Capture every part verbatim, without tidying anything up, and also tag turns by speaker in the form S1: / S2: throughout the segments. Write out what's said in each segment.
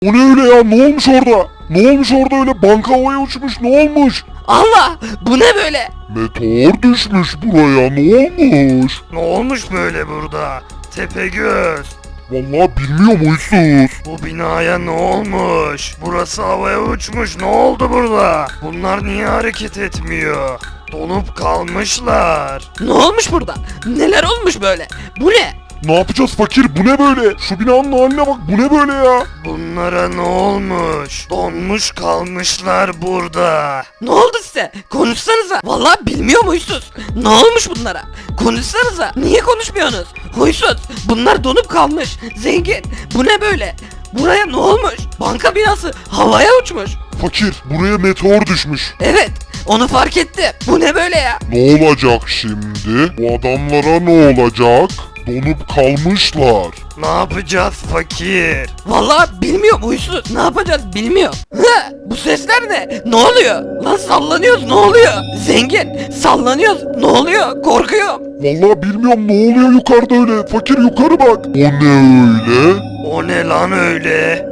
S1: O ne öyle ya? Ne olmuş orada? Ne olmuş orada öyle? Banka havaya uçmuş. Ne olmuş?
S2: Allah, bu ne böyle?
S1: Meteor düşmüş buraya. Ne olmuş?
S3: Ne olmuş böyle burada? Tepegöz.
S1: Vallahi bilmiyorum huysuz.
S3: Bu binaya ne olmuş? Burası havaya uçmuş. Ne oldu burada? Bunlar niye hareket etmiyor? Donup kalmışlar.
S2: Ne olmuş burada? Neler olmuş böyle? Bu ne?
S1: Ne yapacağız fakir? Bu ne böyle? Şu binanın haline bak. Bu ne böyle ya?
S3: Bunlara ne olmuş? Donmuş kalmışlar burada.
S2: Ne oldu size? Konuşsanıza. Vallahi bilmiyorum huysuz. Ne olmuş bunlara? Konuşsanıza. Niye konuşmuyorsunuz? Huysuz. Bunlar donup kalmış. Zengin. Bu ne böyle? Buraya ne olmuş? Banka binası havaya uçmuş.
S1: Fakir, buraya meteor düşmüş.
S2: Evet. Onu fark ettim. Bu ne böyle ya?
S1: Ne olacak şimdi? Bu adamlara ne olacak? Donup kalmışlar.
S3: Ne yapacağız fakir?
S2: Vallahi bilmiyorum huysuz. Ne yapacağız bilmiyorum. Hı, bu sesler ne? Ne oluyor? Lan sallanıyoruz ne oluyor? Zengin sallanıyoruz ne oluyor? Korkuyorum.
S1: Vallahi bilmiyorum ne oluyor yukarıda öyle. Fakir yukarı bak. O ne öyle?
S3: O ne lan öyle?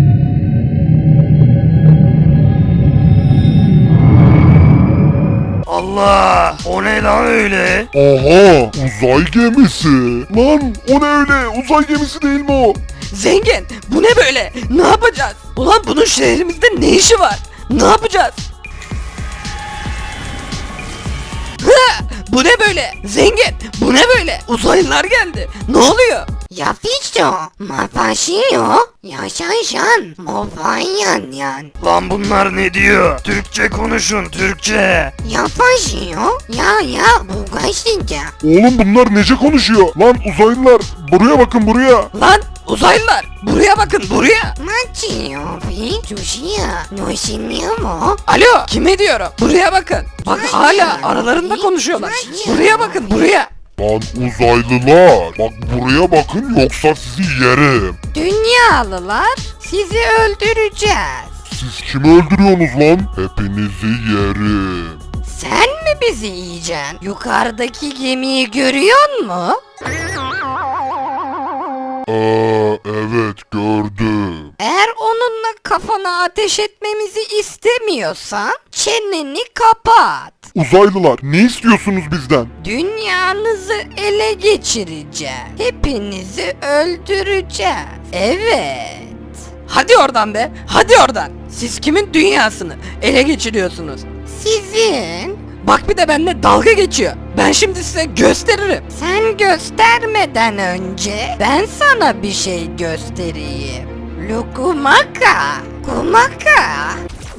S3: Allah! O ne lan öyle?
S1: Aha, uzay gemisi. Lan o ne öyle? Uzay gemisi değil mi o?
S2: Zengin bu ne böyle? Ne yapacağız? Ulan bunun şehrimizde ne işi var? Ne yapacağız? Hı, bu ne böyle? Zengin bu ne böyle? Uzaylılar geldi. Ne oluyor?
S4: やピッチョまぱしいよやしゃいしゃんもファンやんやん
S3: Lan bunlar ne diyor? Türkçe konuşun, Türkçe.
S4: やぱしいよややbuがしてんじゃ
S1: Oğlum bunlar nece konuşuyor? Lan uzaylılar buraya bakın buraya.
S2: Lan uzaylılar buraya bakın buraya.
S4: マッチよピ女子やのしみやも
S2: Alo kime diyorum? Buraya bakın. Bak hala aralarında konuşuyorlar. Buraya bakın buraya.
S1: Lan uzaylılar. Bak buraya bakın yoksa sizi yerim.
S4: Dünyalılar sizi öldüreceğiz.
S1: Siz kimi öldürüyorsunuz lan? Hepinizi yerim.
S4: Sen mi bizi yiyeceksin? Yukarıdaki gemiyi görüyor musun?
S1: Ee, evet gördüm.
S4: Eğer onunla kafana ateş etmemizi istemiyorsan çeneni kapat.
S1: Uzaylılar ne istiyorsunuz bizden?
S4: Dünyanızı ele geçireceğiz. Hepinizi öldüreceğiz. Evet.
S2: Hadi oradan be. Hadi oradan. Siz kimin dünyasını ele geçiriyorsunuz?
S4: Sizin.
S2: Bak bir de benimle dalga geçiyor. Ben şimdi size gösteririm.
S4: Sen göstermeden önce ben sana bir şey göstereyim. Lukumaka. Kumaka.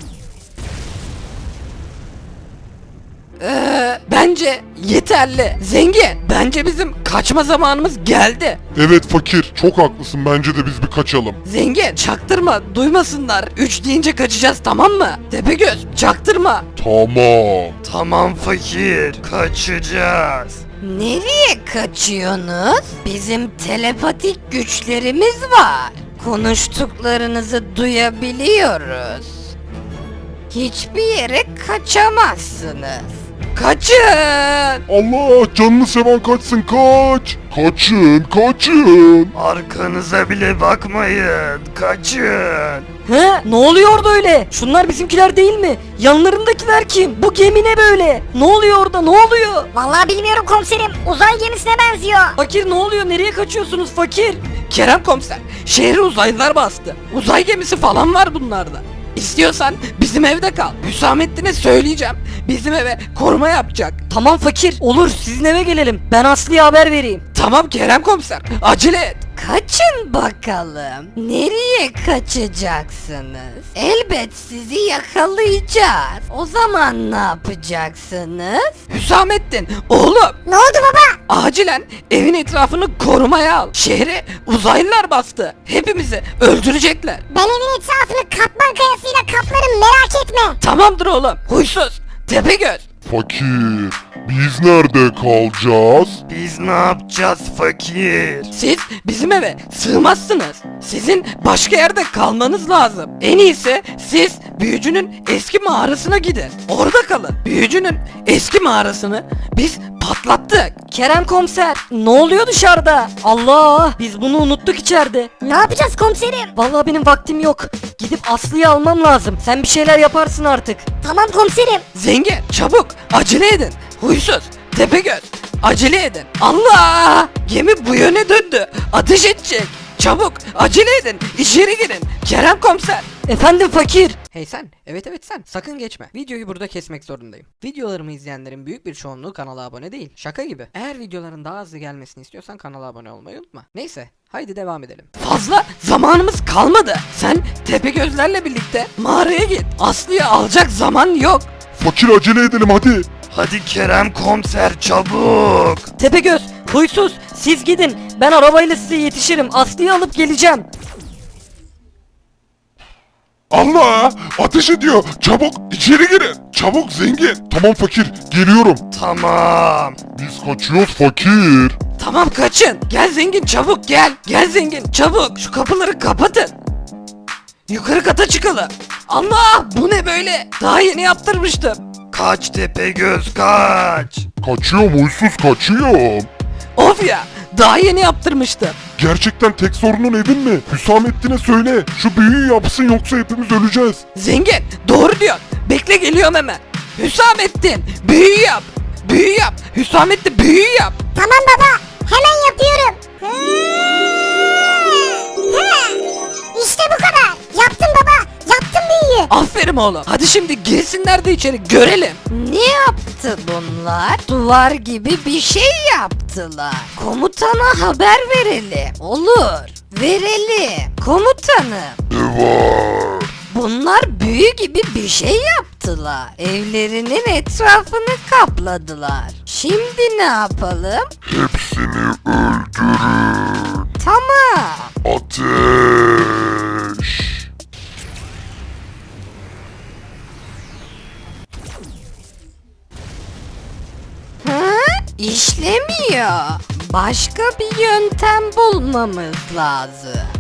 S2: Ee, bence yeterli. Zengin. Bence bizim kaçma zamanımız geldi.
S1: Evet fakir çok haklısın bence de biz bir kaçalım.
S2: Zengin çaktırma duymasınlar. Üç deyince kaçacağız tamam mı? Tepegöz çaktırma.
S1: Tamam.
S3: Tamam fakir, kaçacağız.
S4: Nereye kaçıyorsunuz? Bizim telepatik güçlerimiz var. Konuştuklarınızı duyabiliyoruz. Hiçbir yere kaçamazsınız.
S2: Kaçın.
S1: Allah canını seven kaçsın kaç. Kaçın kaçın.
S3: Arkanıza bile bakmayın, kaçın.
S2: He? Ne oluyor orada öyle? Şunlar bizimkiler değil mi? Yanlarındakiler kim? Bu gemi ne böyle? Ne oluyor orada? Ne oluyor?
S5: Vallahi bilmiyorum komiserim. Uzay gemisine benziyor.
S2: Fakir ne oluyor? Nereye kaçıyorsunuz fakir? Kerem komiser, şehri uzaylılar bastı. Uzay gemisi falan var bunlarda. İstiyorsan bizim evde kal. Hüsamettin'e söyleyeceğim. Bizim eve koruma yapacak. Tamam fakir. Olur sizin eve gelelim. Ben Aslı'ya haber vereyim. Tamam Kerem komiser. Acele et.
S4: Kaçın bakalım. Nereye kaçacaksınız? Elbet sizi yakalayacağız. O zaman ne yapacaksınız?
S2: Hüsamettin oğlum.
S5: Ne oldu baba?
S2: Acilen evin etrafını korumaya al. Şehri uzaylılar bastı. Hepimizi öldürecekler.
S5: Ben evin etrafını katman kayasıyla kaplarım merak etme.
S2: Tamamdır oğlum. Huysuz. Tepegöz.
S1: Fakir biz nerede kalacağız?
S3: Biz ne yapacağız fakir?
S2: Siz bizim eve sığmazsınız. Sizin başka yerde kalmanız lazım. En iyisi siz büyücünün eski mağarasına gidin. Orada kalın. Büyücünün eski mağarasını biz patlattık.
S6: Kerem komiser, ne oluyor dışarıda? Allah, biz bunu unuttuk içeride.
S5: Ne yapacağız komiserim?
S6: Vallahi benim vaktim yok. Gidip Aslı'yı almam lazım. Sen bir şeyler yaparsın artık.
S5: Tamam komiserim.
S2: Zengin çabuk acele edin. Huysuz Tepegöz acele edin. Allah! Gemi bu yöne döndü. Ateş edecek. Çabuk acele edin. İçeri girin. Kerem komiser.
S6: Efendim fakir.
S2: Hey sen, evet evet sen, sakın geçme. Videoyu burada kesmek zorundayım. Videolarımı izleyenlerin büyük bir çoğunluğu kanala abone değil. Şaka gibi. Eğer videoların daha hızlı gelmesini istiyorsan kanala abone olmayı unutma. Neyse, haydi devam edelim. Fazla zamanımız kalmadı. Sen Tepegözlerle birlikte mağaraya git. Aslı'yı alacak zaman yok.
S1: Fakir acele edelim hadi.
S3: Hadi Kerem komiser çabuk.
S6: Tepegöz, huysuz, siz gidin. Ben arabayla size yetişirim. Aslı'yı alıp geleceğim.
S1: Allah! Ateş ediyor. Çabuk içeri girin. Çabuk zengin. Tamam fakir geliyorum.
S3: Tamam.
S1: Biz kaçıyoruz fakir.
S2: Tamam kaçın. Gel zengin çabuk gel. Gel zengin çabuk. Şu kapıları kapatın. Yukarı kata çıkalım. Allah bu ne böyle? Daha yeni yaptırmıştım.
S3: Kaç Tepegöz kaç.
S1: Kaçıyorum huysuz kaçıyorum.
S2: Of ya daha yeni yaptırmıştım.
S1: Gerçekten tek sorunun evin mi? Hüsamettin'e söyle. Şu büyüyü yapsın yoksa hepimiz öleceğiz.
S2: Zengin doğru diyor. Bekle geliyorum hemen. Hüsamettin büyü yap. Büyü yap. Hüsamettin büyü yap.
S5: Tamam baba. Hemen yapıyorum. İşte bu kadar. Yaptım baba. Yaptım büyüyü.
S2: Aferin oğlum. Hadi şimdi girsinler de içeri görelim.
S4: Ne yaptı bunlar? Duvar gibi bir şey yaptılar. Komutana haber verelim. Olur. Verelim. Komutanım.
S1: Ne var?
S4: Bunlar büyü gibi bir şey yaptılar. Evlerinin etrafını kapladılar. Şimdi ne yapalım?
S1: Hepsini öldürün.
S4: Tamam.
S1: Ateş.
S4: Hı? İşlemiyor. Başka bir yöntem bulmamız lazım.